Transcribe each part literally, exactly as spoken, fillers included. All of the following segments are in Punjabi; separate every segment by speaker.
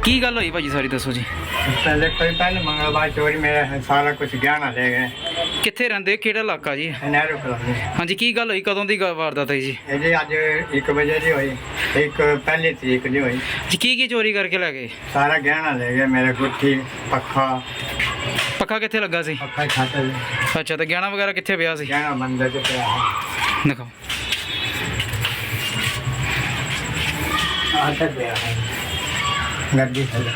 Speaker 1: की गल हुई भाजी सारी दसो जी।
Speaker 2: पहले कोई पहले मंगलवार चोरी मेरा सारा कुछ गहना ले गए।
Speaker 1: कित्थे रहिंदे केड़ा इलाका जी?
Speaker 2: नਹਿਰੂ कॉलोनी।
Speaker 1: हाँ जी की गल हुई कदों दी ग- वारदात है जी?
Speaker 2: ਇਹ ਜੀ ਅੱਜ ਇੱਕ ਵਜੇ ਦੀ ਹੋਈ, ਇੱਕ ਪਹਿਲੀ ਤਰੀਕ ਦੀ ਹੋਈ।
Speaker 1: जी की की चोरी करके लै गए?
Speaker 2: ਸਾਰਾ ਗਹਿਣਾ ਲੈ ਗਏ, ਮੇਰੇ ਗੁੱਠੀ, ਪੱਖਾ
Speaker 1: पक्का कित्थे लगा सी?
Speaker 2: ਪੱਖਾ ਛੱਤ
Speaker 1: अच्छा तो गहना वगैरह कित्थे पिया सी?
Speaker 2: ਗਹਿਣਾ ਮੰਦਰ ਚ ਪਿਆ ਹੈ।
Speaker 1: दिखाओ।
Speaker 2: ਆਹ ਤੱਕ ਪਿਆ ਹੈ ਗੱਡੀ ਥੱਲੇ।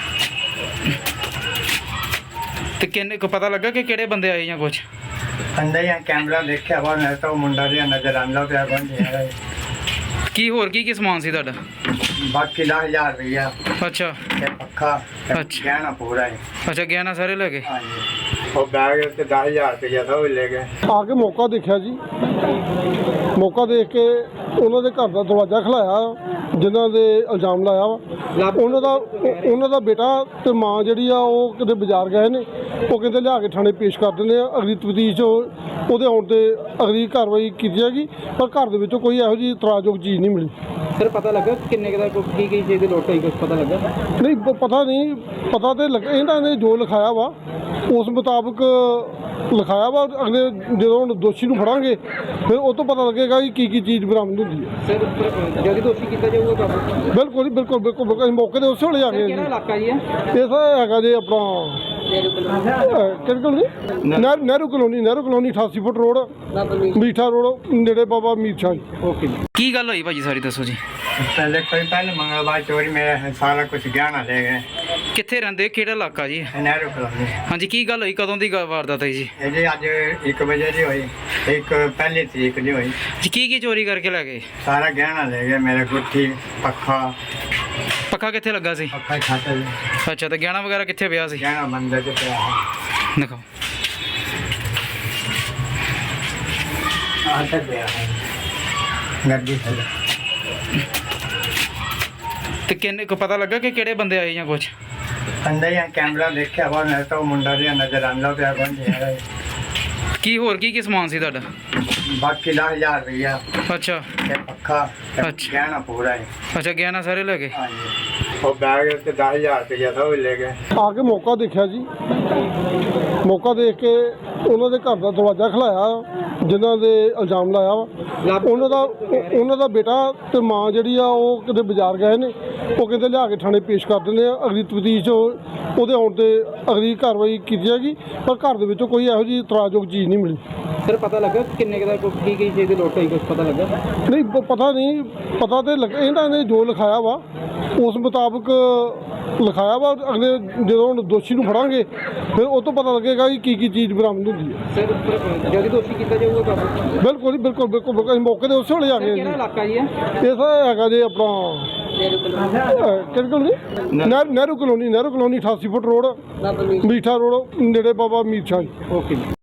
Speaker 1: ਤੇ ਕਿੰਨੇ ਕੋ ਪਤਾ ਲੱਗਾ ਕਿ ਕਿਹੜੇ ਬੰਦੇ ਆਏ ਜਾਂ ਕੁਝ?
Speaker 2: ਅੰਦਰ ਹੀ ਕੈਮਰਾ ਦੇਖਿਆ ਵਾ, ਮੈਂ ਤਾਂ ਉਹ ਮੁੰਡਾ ਜਿਹਾ ਨਜ਼ਰ ਆਉਂਦਾ ਪਿਆ ਕੌਣ ਹੈ।
Speaker 1: ਕੀ ਹੋਰ ਕੀ ਕੀ ਸਮਾਨ ਸੀ ਤੁਹਾਡਾ?
Speaker 2: ਬਾਕੀ ਦਸ ਹਜ਼ਾਰ ਰੁਪਈਆ
Speaker 1: ਅੱਛਾ
Speaker 2: ਤੇ ਪੱਖਾ ਤੇ
Speaker 1: ਅੱਛਾ।
Speaker 2: ਗਹਿਣਾ ਪੂਰਾ ਹੈ।
Speaker 1: ਅੱਛਾ ਗਹਿਣਾ ਸਾਰੇ ਲੈ ਗਏ?
Speaker 2: ਹਾਂਜੀ ਉਹ ਬੈਗ ਤੇ ਦਸ ਹਜ਼ਾਰ ਰੁਪਈਆ ਤਾਂ ਉਹ ਵੀ ਲੈ ਗਏ।
Speaker 3: ਆ ਕੇ ਮੌਕਾ ਦੇਖਿਆ ਜੀ, ਮੌਕਾ ਦੇਖ ਕੇ ਉਹਨਾਂ ਦੇ ਘਰ ਦਾ ਦਰਵਾਜ਼ਾ ਖਲਾਇਆ, ਜਿਨ੍ਹਾਂ ਦੇ ਇਲਜ਼ਾਮ ਲਾਇਆ ਵਾ ਉਹਨਾਂ ਦਾ ਉਹ- ਉਹਨਾਂ ਦਾ ਬੇਟਾ ਤੇ ਮਾਂ ਜਿਹੜੀ ਆ ਉਹ ਕਿਤੇ ਬਾਜ਼ਾਰ ਗਏ ਨੇ। ਉਹ ਕਹਿੰਦੇ ਲਿਆ ਕੇ ਥਾਣੇ ਪੇਸ਼ ਕਰ ਦਿੰਦੇ ਆ, ਅਗਲੀ ਤਫਤੀਸ਼ ਉਹਦੇ ਆਉਣ ਤੇ ਅਗਲੀ ਕਾਰਵਾਈ ਕੀਤੀ ਜਾਏਗੀ। ਪਰ ਘਰ ਦੇ ਵਿੱਚੋਂ ਕੋਈ ਇਹੋ ਜਿਹੀ ਇਤਰਾਜ਼ਯੋਗ ਚੀਜ਼ ਨਹੀਂ ਮਿਲੀ।
Speaker 4: ਸਰ ਪਤਾ ਲੱਗਾ ਕਿੰਨੇ ਕੁ ਦਾ ਕੀ ਕੀ ਚੀਜ਼ ਦੀ ਲੋਟ ਹੋਈ, ਕੁਝ ਪਤਾ ਲੱਗਾ?
Speaker 3: ਨਹੀਂ ਪ- ਪਤਾ ਨਹੀਂ, ਪਤਾ ਤੇ ਲੱਗ ਇਹਨਾਂ ਨੇ ਜੋ ਲਿਖਾਇਆ ਵਾ ਉਸ ਮੁਤਾਬਕ ਲਿਖਾਇਆ ਵਾ। ਅਗਲੇ ਜਦੋਂ ਹੁਣ ਦੋਸ਼ੀ ਨੂੰ ਫੜਾਂਗੇ ਫਿਰ ਉਹ ਤੋਂ ਪਤਾ ਲੱਗੇਗਾ ਕਿ ਕੀ ਕੀ ਚੀਜ਼ ਬਰਾਮਦ ਹੁੰਦੀ ਹੈ।
Speaker 4: ਸਰ ਜਲਦੀ ਦੋਸ਼ੀ ਕੀਤਾ ਜਾਊਗਾ ਕਾਬੂ?
Speaker 3: ਬਿਲਕੁਲ ਜੀ, ਬਿਲਕੁਲ ਬਿਲਕੁਲ ਬਿਲਕੁਲ। ਅਸੀਂ ਮੌਕੇ ਤੇ ਉਸੇ ਵੇਲੇ ਆ ਗਏ ਜੀ।
Speaker 4: ਕਿਹੜਾ ਇਲਾਕਾ ਜੀ ਹੈ?
Speaker 3: ਇਹ ਸਰ ਹੈਗਾ ਜੀ ਆਪਣਾ ਕਿਹੜੀ colony? Nehru Nehru colony Nehru colony ਅਠਾਸੀ ਫੁੱਟ ਰੋਡ, ਮੀਠਾ ਰੋਡ, ਨੇੜੇ ਬਾਬਾ ਮੀਰ ਸ਼ਾਹ ਜੀ।
Speaker 4: ਓਕੇ ਜੀ।
Speaker 1: ਕੀ ਗੱਲ ਹੋਈ ਭਾਜੀ ਸਾਰੀ ਦੱਸੋ ਜੀ।
Speaker 2: पहले कोई पहले मंगलवार चोरी मेरा सारा कुछ गहना ले गए।
Speaker 1: ਕਿੱਥੇ ਰਹਿੰਦੇ ਕਿਹੜਾ ਇਲਾਕਾ ਜੀ?
Speaker 2: ਨਹਿਰੂ ਕॉलोनी।
Speaker 1: हाँ जी की गल हुई कदों दी ग- वारदात है जी?
Speaker 2: ਇਹ ਜੀ ਅੱਜ ਇੱਕ ਵਜੇ ਦੀ ਹੋਈ, ਇੱਕ ਪਹਿਲੀ ਤਰੀਕ ਦੀ ਹੋਈ।
Speaker 1: जी की की चोरी करके लै गए?
Speaker 2: ਸਾਰਾ ਗਹਿਣਾ ਲੈ ਗਏ, ਮੇਰੇ ਗੁੱਠੀ, ਪੱਖਾ
Speaker 1: पक्का कित्थे लगा सी?
Speaker 2: ਪੱਖਾ ਛੱਤ
Speaker 1: अच्छा तो गहना वगैरह कित्थे पिया सी?
Speaker 2: ਗਹਿਣਾ ਮੰਦਰ ਚ ਪਿਆ ਹੈ।
Speaker 1: दिखाओ।
Speaker 2: ਆਹ ਤੱਕ ਪਿਆ ਹੈ ਗੱਡੀ ਥੱਲੇ।
Speaker 1: ਤੇ ਕਿੰਨੇ ਕੋ ਪਤਾ ਲੱਗਾ ਕਿ ਕਿਹੜੇ ਬੰਦੇ ਆਏ ਜਾਂ ਕੁਝ?
Speaker 2: ਅੰਦਰ ਹੀ ਕੈਮਰਾ ਦੇਖਿਆ ਵਾ, ਮੈਂ ਤਾਂ ਉਹ ਮੁੰਡਾ ਜਿਹਾ ਨਜ਼ਰ ਆਉਂਦਾ ਪਿਆ ਕੌਣ ਹੈ।
Speaker 1: ਕੀ ਹੋਰ ਕੀ ਕੀ ਸਮਾਨ ਸੀ ਤੁਹਾਡਾ?
Speaker 2: ਬਾਕੀ ਦਸ ਹਜ਼ਾਰ ਰੁਪਈਆ
Speaker 1: ਅੱਛਾ
Speaker 2: ਤੇ ਪੱਖਾ ਤੇ
Speaker 1: ਅੱਛਾ।
Speaker 2: ਗਹਿਣਾ ਪੂਰਾ ਹੈ।
Speaker 1: ਅੱਛਾ ਗਹਿਣਾ ਸਾਰੇ ਲੈ ਗਏ?
Speaker 2: ਹਾਂਜੀ ਉਹ ਬੈਗ ਤੇ ਦਸ ਹਜ਼ਾਰ ਰੁਪਈਆ ਤਾਂ ਉਹ ਵੀ ਲੈ ਗਏ।
Speaker 3: ਆ ਕੇ ਮੌਕਾ ਦੇਖਿਆ ਜੀ, ਮੌਕਾ ਦੇਖ ਕੇ ਉਹਨਾਂ ਦੇ ਘਰ ਦਾ ਦਰਵਾਜ਼ਾ ਖਲਾਇਆ, ਜਿਨ੍ਹਾਂ ਦੇ ਇਲਜ਼ਾਮ ਲਾਇਆ ਵਾ ਉਹਨਾਂ ਦਾ ਉਹ- ਉਹਨਾਂ ਦਾ ਬੇਟਾ ਤੇ ਮਾਂ ਜਿਹੜੀ ਆ ਉਹ ਕਿਤੇ ਬਾਜ਼ਾਰ ਗਏ ਨੇ। ਉਹ ਕਹਿੰਦੇ ਲਿਆ ਕੇ ਥਾਣੇ ਪੇਸ਼ ਕਰ ਦਿੰਦੇ ਆ, ਅਗਲੀ ਤਫਤੀਸ਼ ਉਹਦੇ ਆਉਣ ਤੇ ਅਗਲੀ ਕਾਰਵਾਈ ਕੀਤੀ ਜਾਏਗੀ। ਪਰ ਘਰ ਦੇ ਵਿੱਚੋਂ ਕੋਈ ਇਹੋ ਜਿਹੀ ਇਤਰਾਜ਼ਯੋਗ ਚੀਜ਼ ਨਹੀਂ ਮਿਲੀ।
Speaker 4: ਸਰ ਪਤਾ ਲੱਗਾ ਕਿੰਨੇ ਕੁ ਦਾ ਕੀ ਕੀ ਚੀਜ਼ ਦੀ ਲੋਟ ਹੋਈ, ਕੁਝ ਪਤਾ ਲੱਗਾ?
Speaker 3: ਨਹੀਂ ਪ- ਪਤਾ ਨਹੀਂ, ਪਤਾ ਤੇ ਲੱਗ ਇਹਨਾਂ ਨੇ ਜੋ ਲਿਖਾਇਆ ਵਾ ਉਸ ਮੁਤਾਬਕ ਲਿਖਾਇਆ ਵਾ। ਅਗਲੇ ਜਦੋਂ ਹੁਣ ਦੋਸ਼ੀ ਨੂੰ ਫੜਾਂਗੇ ਫਿਰ ਉਹ ਤੋਂ ਪਤਾ ਲੱਗੇਗਾ ਕਿ ਕੀ ਕੀ ਚੀਜ਼ ਬਰਾਮਦ ਹੁੰਦੀ ਹੈ।
Speaker 4: ਸਰ ਜਲਦੀ ਦੋਸ਼ੀ ਕੀਤਾ ਜਾਊਗਾ ਕਾਬੂ?
Speaker 3: ਬਿਲਕੁਲ ਜੀ, ਬਿਲਕੁਲ ਬਿਲਕੁਲ ਬਿਲਕੁਲ। ਅਸੀਂ ਮੌਕੇ ਤੇ ਉਸੇ ਵੇਲੇ ਆ ਗਏ ਜੀ।
Speaker 4: ਕਿਹੜਾ ਇਲਾਕਾ ਜੀ ਹੈ?
Speaker 3: ਇਹ ਸਰ ਹੈਗਾ ਜੀ ਆਪਣਾ ਕਿਹੜੀ colony? Nehru Nehru colony Nehru colony ਅਠਾਸੀ ਫੁੱਟ ਰੋਡ, ਮੀਠਾ ਰੋਡ, ਨੇੜੇ ਬਾਬਾ ਮੀਰ ਸ਼ਾਹ ਜੀ।
Speaker 4: ਓਕੇ ਜੀ।